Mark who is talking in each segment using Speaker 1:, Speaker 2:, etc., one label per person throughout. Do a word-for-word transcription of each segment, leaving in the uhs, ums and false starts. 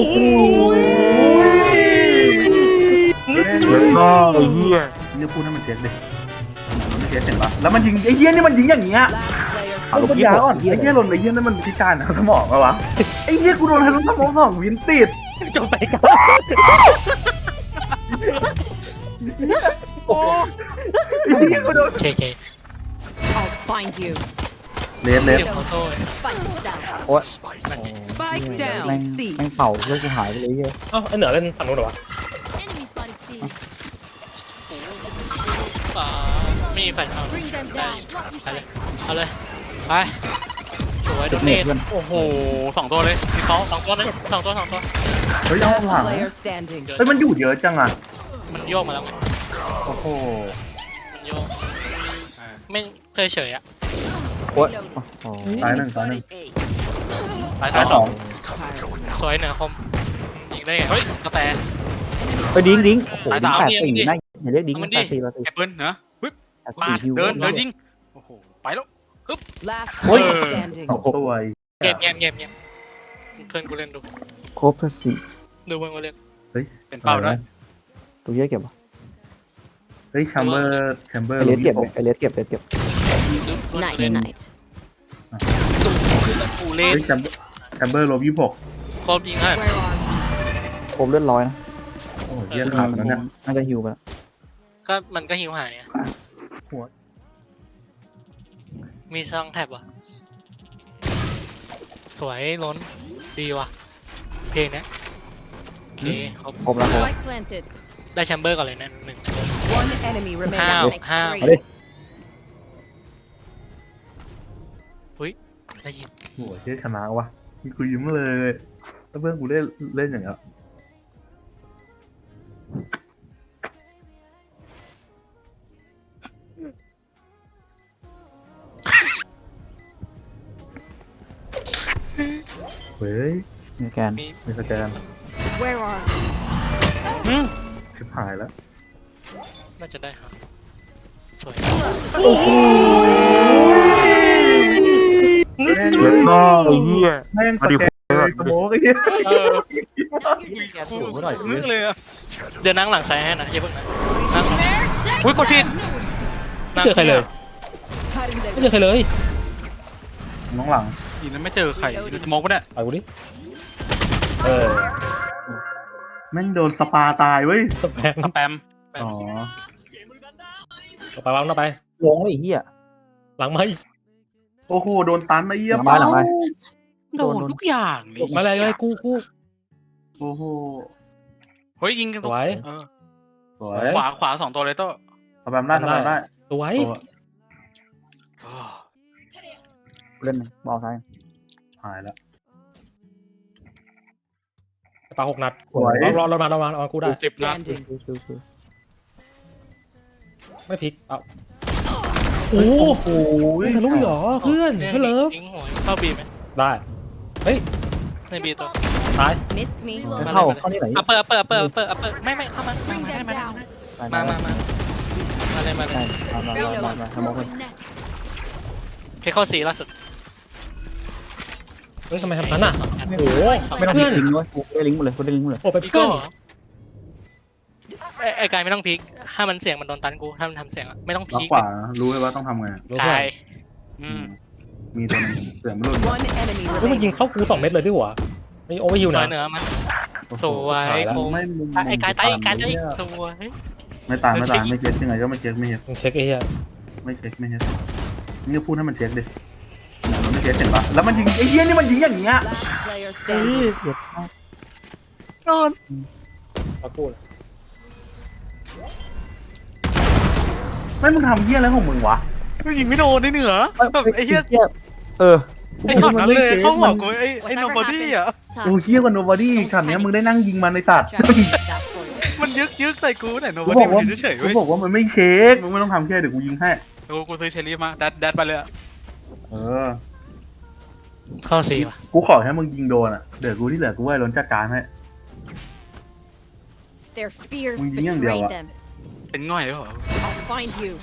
Speaker 1: โหเจ็บมากไอ้เหี้ยนี่พูดให้มันเจ็บดิมันไม่เจ็บเห็นปะแล้วมันยิงไอ้เหี้ยนี่มันยิงอย่างเงี้ยเอาปัญญาอ่อนไอ้เหี้ยหล่นไอ้เหี้ยนั่นมันพิการทางสมองปะวะไอ้เหี้ยกูโดนทะลุสมองสองวินติด
Speaker 2: จบไปกัน
Speaker 1: โอ้ไอ้เหี้ยกูโดน
Speaker 2: เคเค
Speaker 3: I'll find you.
Speaker 1: เลฟเลฟ
Speaker 2: เดี๋ยวขอโทษ
Speaker 3: Spike down.
Speaker 4: โอ้ย
Speaker 3: Spike
Speaker 4: แม่
Speaker 3: down.
Speaker 4: ง
Speaker 3: C.
Speaker 4: แม่งเป่าเลือดกูหายไปเลยเยอะ
Speaker 2: เอ้าไอเหนือเล่นฝั่งนู้นเหรอวะ
Speaker 5: Enemy spotted C.
Speaker 2: อ่ามีแฟนเอา
Speaker 5: Bring them
Speaker 2: ได้
Speaker 5: down. Drop
Speaker 2: ไปเลย
Speaker 5: defense.
Speaker 2: เอาเลยไปสวยโดนเนตโอ้โหสองตัวเลยมีเขาสองตัวเลยสองตัวสองตัว
Speaker 1: เฮ้ยเอาหลัง
Speaker 3: Player standing.
Speaker 1: เฮ้ยมันอยู่เยอะจังอ่ะ
Speaker 2: มันโยกมาแล้วไง
Speaker 1: โอ้โห
Speaker 2: มันโยกไม่เคยเฉยอ่ะ
Speaker 4: โอ้ยโอ้โห
Speaker 1: ตายหนึ่งตายหนึ่ง
Speaker 2: ตาย
Speaker 1: ตายสอง
Speaker 2: สวยเหนือคมยิงได้ไงเฮ้ยกระแต
Speaker 4: ไปดิ้งดิ้งโอ้โห
Speaker 2: ตาย
Speaker 4: ดิ้
Speaker 2: สาง ม
Speaker 4: แปด
Speaker 2: เนี่ย
Speaker 4: สี่
Speaker 2: มึงดิ
Speaker 4: น่าอย่าเรียกดิ้ง
Speaker 2: เอามัน
Speaker 4: แป
Speaker 2: ดิ
Speaker 4: ดสี่แปดสี่
Speaker 6: แอปเปิลเนอะปึ๊บ
Speaker 4: แปด
Speaker 6: มา
Speaker 4: สี่ฮิว
Speaker 6: เดินเดินยิงโอ้โหไปแล้ว
Speaker 3: Last
Speaker 2: โอ้ย
Speaker 3: player standing.
Speaker 1: สองตัวไอ้
Speaker 2: เงียบเงียบเงียบเงียบเพื่อนกูเล่นดู
Speaker 4: โคบสี่
Speaker 2: ดูเพื่อนกูเล่น
Speaker 6: เป็นเป้าด้วย
Speaker 4: ตัวเยอะเก็บวะ
Speaker 1: เฮ้ยแชมเบอร์แชมเบอร์
Speaker 4: ไอเลสเก็บไอเลสเก็บไอเลสเก็บ
Speaker 3: Night night.
Speaker 2: กูเล่น
Speaker 1: เฮ้ยแชมเบอร์แชมเบอร์ลบยี่สิบหก
Speaker 2: ครบยิงให้
Speaker 3: Where are
Speaker 4: โคบเลือดร้อยนะ
Speaker 1: โอ้ยเยี่ยมขาดแล้วเนี่ย
Speaker 4: น่าจะฮิวไปแล้ว
Speaker 2: ก็มันก็หิวหายอะมีซองแท็บอ่ะสวยล้นดีว่ะเพลงเนี้ยโอเคครบ
Speaker 4: ครบแล้วครบ
Speaker 3: Spike planted.
Speaker 2: ได้แชมเบอร์ก่อนเลยนะหนึ่ง
Speaker 3: One enemy remaining.
Speaker 2: How?
Speaker 3: Makes
Speaker 2: How?
Speaker 3: three.
Speaker 4: เอาดิ
Speaker 2: ได้ยิน
Speaker 1: โอ้ยเชี่ยชนะวะกูยิ้มเลยแล้วเพื่อนกูเล่นเล่นอย่างเงี้ยเฮ้ย
Speaker 4: มีแกน
Speaker 2: มี
Speaker 1: มีสแกน
Speaker 3: Where are
Speaker 1: ชิบหายแล้ว
Speaker 2: น่าจะได้ครับสวย
Speaker 1: เจ็บมากไอ้เหี้ยแม่งสแกนเลยสโมกไอ้เหี้ย
Speaker 2: เออ
Speaker 4: สูงก็หน่อย
Speaker 6: นึกเลยอะ
Speaker 2: เดี๋ยวนั่งหลังซ้ายให้นะอย่าเพิ่งนะนั่ง
Speaker 6: อุ้ยกดผิด
Speaker 2: ไม่เจอใครเลยไม่เจอใครเลย
Speaker 1: น้องหลัง
Speaker 6: อีนั้นไม่เจอใครจะมองปะเนี่ย
Speaker 2: ไปกูดิ
Speaker 1: เออแม่งโดนสปาตายเว้ย
Speaker 2: สแปม
Speaker 6: สแปม
Speaker 1: อ๋อ
Speaker 2: ไปวางต่อไป
Speaker 4: ลงไอ้เหี้ย
Speaker 2: หลังไม้
Speaker 1: โอ้โหโดนตันไอ้เหี้ย
Speaker 4: หลังไม้หลังไม้
Speaker 6: โดนทุกอย่างนี่
Speaker 2: มาเลยเลยกูกู
Speaker 1: โอ้โห
Speaker 6: เฮ้ยยิงกัน
Speaker 2: สวย
Speaker 6: เออ
Speaker 1: สวย
Speaker 6: ขวาขวาสองตัวเลยโต้
Speaker 1: ทำแบบได้ทำแบบได้
Speaker 2: สวย
Speaker 1: โอ้
Speaker 6: โอ้
Speaker 4: เล่นบอลซ้าย
Speaker 1: หายแล้ว
Speaker 2: ปาหกนัด
Speaker 1: สวย
Speaker 2: รอรอรอมาเอากูได้
Speaker 6: เจ็บนะ
Speaker 3: standing?
Speaker 4: ชิวชิวชิว
Speaker 2: ไม่พลิกเอาโอ้โหทะลุเหรอเพื่อนเพื่อนเลิฟเข้าบีไหมได้เฮ้ยในบีตัวตาย
Speaker 3: Missed me.
Speaker 4: จะเข้าเข้านี่ไหน
Speaker 2: อัปเปอร์อัปเปอร์อัปเปอร์อัปเปอร์อัปเปอร์ไม่ไม่เข้ามามา
Speaker 3: Bring
Speaker 2: มา
Speaker 3: them
Speaker 2: มา
Speaker 3: down.
Speaker 2: มามามามาเลยมาเล
Speaker 4: ใช่
Speaker 2: ย
Speaker 4: มามามามาทำมอง
Speaker 5: Next.
Speaker 2: เพคเข้าสีล่าสุดเฮ้ยทำไมทำนั้นอ่ะโอ้โห
Speaker 4: ไม่ต้อง
Speaker 2: เพื่
Speaker 4: พิ
Speaker 2: อน
Speaker 4: ลิงก์ไว้ได้ลิงก์หมดเลยได้ลิงก์หมดเลย
Speaker 2: โอ้ไปเพื่อนไอ้กายไม่ต้องพลิกถ้ามันเสียงมันโดนตันกูถ้ามันทำเสียงไม่ต้องพ
Speaker 1: ล็อก
Speaker 2: ลิก
Speaker 1: ขวารู้ไหมว่าต้องทำไง
Speaker 2: กาย
Speaker 6: อืม
Speaker 1: มีตัวนึงเสือมรุ่น
Speaker 3: One enemy
Speaker 2: เฮ้ยมันยิง
Speaker 3: remaining.
Speaker 2: เข้ากูสองเม็ดเลยด้วยหัวนี่โอเวอร์ฮิวนะเหนือมันสวยคง
Speaker 1: ไม่มุม
Speaker 2: ไอ้กายตายกายตายสวย
Speaker 1: ไม่ตายไม่ตายไม่เช็คยังไงก็ไม่เช็คไม่เช็ค
Speaker 2: มึงเช็คไอ้เหี้ย
Speaker 1: ไม่เช็คไม่เช็คนี่ก็พูดให้มันเช็คดิมันไม่เช็คเห็นปะแล้วมันยิงไอ้เหี้ยนี่มันยิงอย่างเงี้ย
Speaker 3: Last player standing.
Speaker 4: เดี๋ยว
Speaker 1: นอน
Speaker 2: มากู
Speaker 1: ไม่มึงทำเหี้ยอะไรของมึงวะ
Speaker 6: ยิงไม่โดนได้เหนือแบบไอ้เหี้ย
Speaker 4: เออ
Speaker 6: ไอ้ช็อตนั้นเลยเข้าหัวกูไอ้ไอ้โน
Speaker 3: Whatever
Speaker 6: บอดี้อ่ะ
Speaker 3: happens,
Speaker 1: โอ้เหี้ยกว่าโนบอดี้ฉากเนี้ยมึงได้นั่งยิงมันในตัด
Speaker 3: Trap that for you.
Speaker 6: มันยึกยึกใส่กูเนี่ยโนบ
Speaker 1: กู
Speaker 6: อบ ดี้
Speaker 1: อก
Speaker 6: มั
Speaker 1: ว่าน
Speaker 6: เฉยๆ
Speaker 1: กู
Speaker 6: เว้ย
Speaker 1: บอกว่ามันไม่เช็คมึงไม่ต้องทำแค่เดี๋ยวกูยิงให้
Speaker 6: กูกูซื้อเชอรี่มาดัดดัดไปเลยอะ
Speaker 1: เออ
Speaker 2: เข้าสีว่ะ
Speaker 1: กูขอให้มึงยิงโดนอ่ะเดี๋ยวกูที่เหลือกูไว้ล้นจัดการให้
Speaker 3: Their fears
Speaker 1: มึงยิงอย่างเดียว
Speaker 3: betrayed
Speaker 1: อะ
Speaker 3: them.
Speaker 6: เป็นง่อยเลยเหรอ
Speaker 3: I'll find you.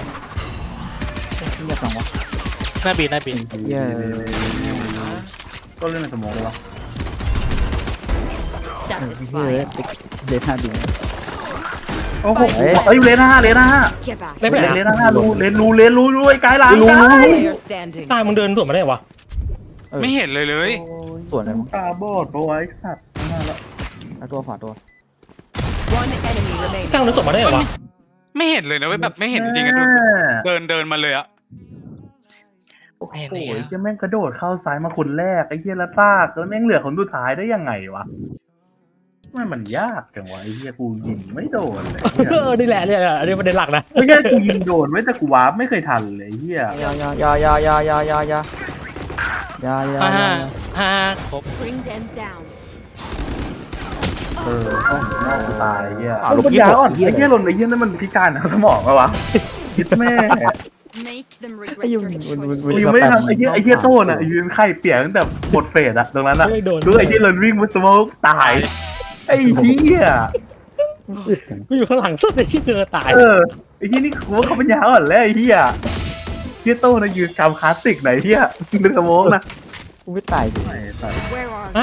Speaker 4: เงียบจังวะ
Speaker 2: หน้าบีหน้าบี
Speaker 4: เหี้ย
Speaker 1: ก็เล่นในสมองเลยวะ
Speaker 4: เฮ้ย
Speaker 3: satisfied.
Speaker 4: เดท่าดี
Speaker 1: โอ้โหเอ้ยเลนห้าเลนห้า
Speaker 3: Get back.
Speaker 2: เล่นไปไหน
Speaker 1: เลนห้ารูเลนรูเลนรูรูไอ้กายหลัง
Speaker 4: รู้
Speaker 1: กา
Speaker 4: รู้
Speaker 1: ย
Speaker 3: Player standing.
Speaker 2: ตายมึงเดินสวนมาได้วะ
Speaker 6: ไม่เห็นเลยเลย
Speaker 4: ส่วนอะไรมั้ง
Speaker 1: ตาบอดปะวะไอ้สัตว์นั่นแหละ
Speaker 4: เอาตัวขวาตัว
Speaker 3: One enemy remaining.
Speaker 2: ตั้งเดินสวนมาได้วะ
Speaker 6: ไม่เห็นเลยนะเว้ยแบบไม่เห็นจริงๆอะดูเดินเดินมาเลยอะ
Speaker 1: โอ้โหไอ้เหี้ยแม่งกระโดดเข้าซ้ายมาคนแรกไอ้เหี้ยแล้วซากแล้วแม่งเหลือคนสุดท้ายได้ยังไงวะมันมันยากจังวะไอ้เหี้ยกูยิงไม่โดนเลย
Speaker 2: เออนี่แหละเนี่ยอันนี้ประเด็นหลักนะ
Speaker 1: ไม่ใช่กูยิงโดนไม่แต่กูวาร์ปไม่เคยทันเลยไอ้เหี้ย
Speaker 4: ยายายายายายายายายายายา
Speaker 2: ฮ่าฮ่าครบ
Speaker 3: Bring them down.
Speaker 1: เออต้องนอกกูตายไอ้เหี้ยลูกปัญญาอ่อนไอ้เหี้ยหล่นไอ้เหี้ยนั่นมันพิการทางสมองปะวะคิดแม่
Speaker 3: Make them
Speaker 4: ไอ้
Speaker 3: regret
Speaker 4: ยุ
Speaker 3: their
Speaker 4: น
Speaker 3: choices.
Speaker 1: กูยังไม่ได้ทำไอ้เหี้ยไอ้เหี้ยโต้น่ะยืนไข่เปียกตั้งแต่หมดเฟสอะตรงนั้นอะ
Speaker 2: ไม่โดน
Speaker 1: ดูไอ้เหี้ยเลินวิ่งมาสโมกตายไอ้เหี้ย
Speaker 2: กูอยู่ข้างหลังสุดไอ้ที่เดินตาย
Speaker 1: เออไอ้เหี้ยนี่กูว่าเขาปัญญาอ่อนแล้วไอ้เหี้ยเหี้ยโต้น่ะยืนกำคลาสสิกไหนเหี้ยดึงสโมกนะ
Speaker 4: กูไม่ตายดิ
Speaker 3: Where are
Speaker 2: ฮะ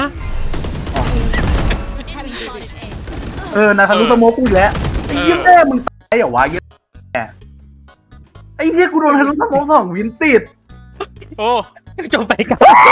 Speaker 1: เออนาคารุสโมกกูอีกแล้วไอ้เหี้ยแม่มึงตายเหรอวะเหี้ยแม่ไอ้เหี้ยกูโดนทะลุสโมกสองวินติด
Speaker 6: โอ้
Speaker 2: จบไปกัน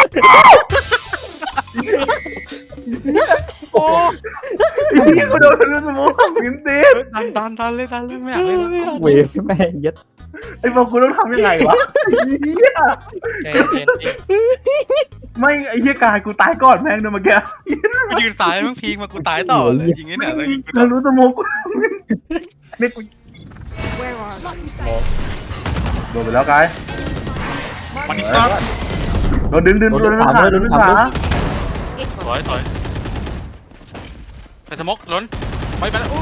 Speaker 6: โอ้
Speaker 1: ไอ้เหี้ยกูโดนทะลุสโมกสองวินติด
Speaker 6: ดันดันดันเลยดันเลยไม่อยากเล่นแล้ว
Speaker 4: เวฟแม่ยัด
Speaker 1: ไอ้บอกกูต้องทำยังไงวะไอ้เหี้ย
Speaker 2: ใจเย็น
Speaker 1: ไม่ไอ้เหี้ยกายกูตายก่อนแม่งเดินมาแก
Speaker 6: กูยืนตายมึงพีกมากูตายต่อเลยยิงไอ้เนี่ยแล้วยิงกู
Speaker 1: ทะลุสโมกกูนี่กู
Speaker 3: Where are they?
Speaker 1: โดนไปแล้วกาย
Speaker 6: มันอีกซัก
Speaker 1: โดนดึงดึงโดนดึงขาโดนดึงขา
Speaker 3: It
Speaker 6: ถอย
Speaker 3: was
Speaker 6: ถอยไปสมกล้นไปไปแล้ว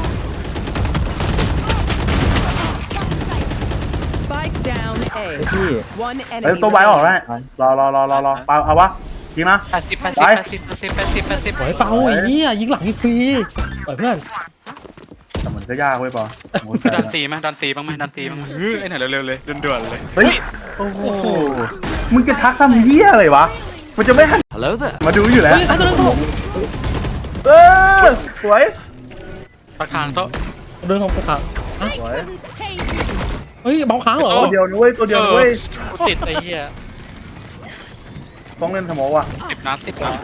Speaker 3: spike down
Speaker 4: ไอ้
Speaker 3: A.
Speaker 4: พี่
Speaker 3: One
Speaker 1: เฮ้ย
Speaker 3: enemy
Speaker 1: ตัวไว้ออก
Speaker 3: remaining.
Speaker 1: ได้รอรอรอรอรอเปล่าเอาวะจริงนะ
Speaker 6: แปดสิบแปดสิบแปดสิบแปดสิบแปดสิบแปดสิบ
Speaker 2: ปล่อยเปล่าไอ้เหี้ยยิงหลังฟรีปล่อยเพื่อน
Speaker 1: แต่มันก็ยากเว้ยปอ
Speaker 6: ดันตีไหมดันตีบ้างไหมดันตีบ้างไหมเฮ้ยไอ้เนี่ยเร็วๆเลยด่วนๆเลย
Speaker 1: เฮ้ยโอ้โหมึงจะทักทำเหี้ยอะไรวะมันจะไม่หันมาดูอยู่แล้ว
Speaker 2: เฮ้ยทันตัวนั้นตัว
Speaker 1: เออสวย
Speaker 6: ตะคางโต๊ะ
Speaker 2: เดินของกูขาฮะ
Speaker 1: สวย
Speaker 2: เฮ้ยเบาค้างเหรอ
Speaker 1: ตัวเดียวนะเว้ยตัวเดียวนะเว้ย
Speaker 2: ติดไอ้เหี้ย
Speaker 1: ต้องเล่นสมองว่ะ
Speaker 6: สิบนัดสิบนัด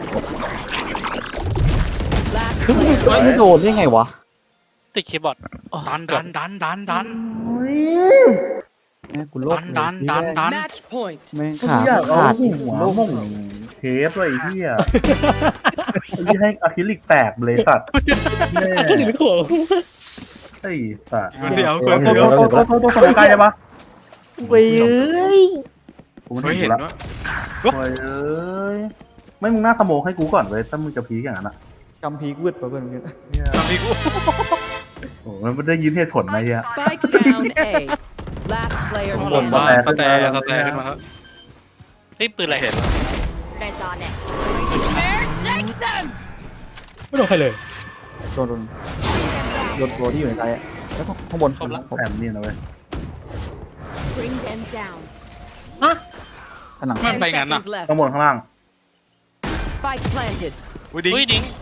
Speaker 3: Last
Speaker 4: คือ
Speaker 3: player.
Speaker 4: ไม่โดนได้ไงวะ
Speaker 2: ติดคีย์บอร์ด
Speaker 6: ดันดันดันดันดัน
Speaker 4: แม่กูโล
Speaker 6: ดันดันดันดัน
Speaker 3: Match point.
Speaker 4: แม่ง
Speaker 1: กู
Speaker 4: ขา
Speaker 1: อยากเอา
Speaker 4: ขาด
Speaker 1: หัวม่งเทปเลยไอ้เหี้ยไอ้ที่ให้อะคริลิกแตกเลยสัตว์แม่
Speaker 2: ขึ้นถึงหัว
Speaker 1: ไอ้สัตว์
Speaker 6: เดี๋ยว
Speaker 1: โต
Speaker 6: เดี๋ยว
Speaker 1: โตโตโตโตสมองใกล้ได้ปะ
Speaker 4: เว้ย
Speaker 1: กูไม่
Speaker 6: เฮ้ย
Speaker 1: เห็
Speaker 6: เห็
Speaker 1: น
Speaker 6: น
Speaker 1: ละ
Speaker 6: ว่า
Speaker 1: โอ้ยเอ้ยไม่มึงหน้าสมองให้กูก่อนเว้ยถ้ามึงจะพีกอย่างนั้นอ่ะ
Speaker 4: กำพีกวืดไปเพื่อนเพื่อน
Speaker 6: ตอนนี้กู
Speaker 1: โอ้มันไม่ได้ยินเหตุผลไหมเฮีย
Speaker 3: Spike down A. Last player
Speaker 6: หล่น
Speaker 3: standing.
Speaker 6: มาสแตร์สแตร์ขึ้นมาแล้ว
Speaker 2: เฮ้ยปืนอะไร
Speaker 6: เห็น
Speaker 3: That's on it. Prepare, take them.
Speaker 2: ไม่โดนใครเลย
Speaker 4: โดนโดนโดนตัวที่อยู่ในใจอะแล้วก็ข้างบน
Speaker 2: ครบละ
Speaker 1: แอมนี่นะเว้ย
Speaker 3: Bring them down.
Speaker 2: ฮะ
Speaker 4: ผนัง
Speaker 6: มัน
Speaker 3: Ten
Speaker 6: ไปงั้นน่ะ
Speaker 3: seconds left.
Speaker 1: ข้างบนข้างล่าง
Speaker 3: Spike planted.
Speaker 6: อุ้ยดิ้ง
Speaker 2: เฮ้ยดิ้ง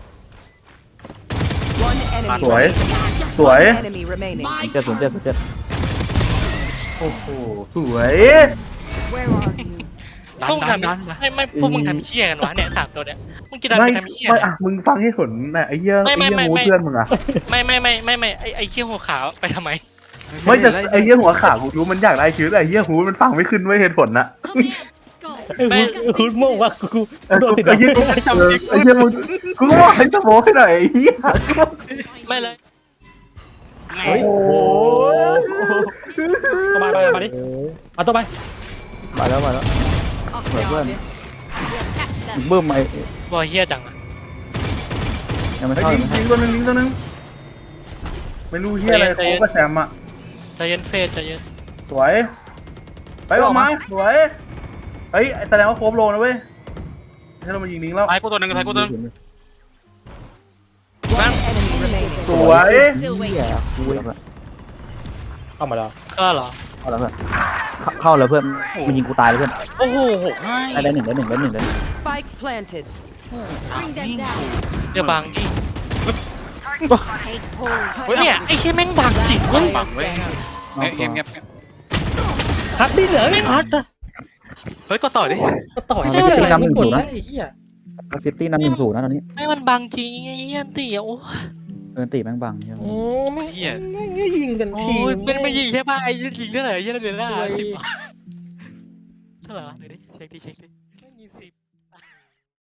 Speaker 3: One enemy
Speaker 1: สวย
Speaker 3: remaining.
Speaker 1: สวย
Speaker 3: One enemy remaining.
Speaker 4: เจ็ดศูนย์เจ็ดศูนย์เจ็ด
Speaker 1: โอ้โหสวย
Speaker 3: Where are you?
Speaker 6: ดัน
Speaker 2: พวกมึง
Speaker 6: ดัน
Speaker 2: ทำ
Speaker 6: ดัน
Speaker 2: ไม่ไม่พวกมึงทำเชี่ยกันวะเนี่ยสามตัวเนี่ยมึงจะดัน
Speaker 1: ไม่
Speaker 2: ไปทำเชี่ย
Speaker 1: ไม่
Speaker 2: เนี่ย
Speaker 1: อ่ะมึงฟังเหตุผลนะไอ้เหี้ย
Speaker 2: ไม่
Speaker 1: ไอ้
Speaker 2: ไม่
Speaker 1: เหี้ย
Speaker 2: ไม่
Speaker 1: หู
Speaker 2: ไม่
Speaker 1: เพื่อนมึงอ่ะ
Speaker 2: ไม่ไม่ไม่ไม่ไม่ไอไอเชี่ยหัวขาวไปทำไม
Speaker 1: ไม่จะไอ้เหี้ยหัวขากูรู้มันอยากได้ชีวิตไอ้เหี้ยหูมันฟังไม่ขึ้นไว้ยเหตุผลนะ
Speaker 2: ไอ้คุณคุณโม่ว่ากู
Speaker 1: เออ
Speaker 2: โดนติด
Speaker 1: ไอ้เหี้ยกูเออไอ้เหี้ยมึงกูก็บอกให้สมองให้หน่อยไอ้เหี้ย
Speaker 2: ไม่เลย
Speaker 1: โอ้โห
Speaker 2: เข้ามามามาดิเอาตัวไป
Speaker 4: มาแล้วมาแล้ว
Speaker 3: Off
Speaker 4: Wait,
Speaker 3: the
Speaker 4: when?
Speaker 3: obvious. We'll catch them.
Speaker 4: เบิ่มไอ้
Speaker 2: บอยเฮียจังอะ
Speaker 4: ยังไม่
Speaker 1: ไอ้
Speaker 4: เข้า
Speaker 1: ยิ
Speaker 4: ยัง
Speaker 1: ง
Speaker 4: ไม่
Speaker 1: ยิ
Speaker 4: เข้าง
Speaker 1: ตัวหนึงยิงตัวหนึงไม่รู้เหี้ยอะไรโค้กกับแซมอ่ะ
Speaker 2: ใจเย็นเฟสใจเย็น
Speaker 1: สวย ไปออกมาสวย เฮ้ยแสดงว่าโครบโลนะเว้ยให้เรามายิงลิงแล้ว
Speaker 6: ท้ายกูตัวหนึ่งท้ายกูตัวหนึ่ง
Speaker 3: One enemy remaining.
Speaker 1: สวย
Speaker 3: Still
Speaker 4: เหี้
Speaker 3: waiting.
Speaker 4: ยกูแล้วเพื่อน
Speaker 2: เข้ามาแล้วก็เหรอ
Speaker 4: เข้าแล้วเพื่อนเข้าแล้วเพื่อนมันยิงกูตายเลยเพื่อน
Speaker 6: โอ้โหให้
Speaker 4: ได้ได้หนึ่งได้หนึ่งได้หนึ่งได้หนึ่ง
Speaker 3: Spike planted. Bring them down.
Speaker 2: เดี๋ยวบางที่
Speaker 3: Take hold.
Speaker 2: เฮ้ยเนี่ยไอ้เชี่ยแม่งบังจริงเว้ย
Speaker 6: บังเว้ยเงียบเงียบเงียบ
Speaker 2: ฮัดดิเหรอไม่ฮัดอะ
Speaker 6: เฮ้ยก็ต่อดิ
Speaker 2: ก็ต่อยไม่ได้ไม่กดแล้วไอ้เหี้ย
Speaker 4: เซฟตี้นำหนึ่งศูนย์นะตอนนี้
Speaker 2: ไม่มันบังจริงไอ้เหี้ยตีอ่ะโอ้
Speaker 4: เออตีแม่งบังใช่ไหม
Speaker 2: โอ้ไม่
Speaker 6: เหี้ย
Speaker 2: ไม่ยิงกันทีมันไม่ยิงใช่ป่ะไอ้ยิงเท่าไหร่ยิงเท่าไหร่สิบเท่าไหร่วะเดี๋ยวดิเช็คดิเช็คดิยิงสิบ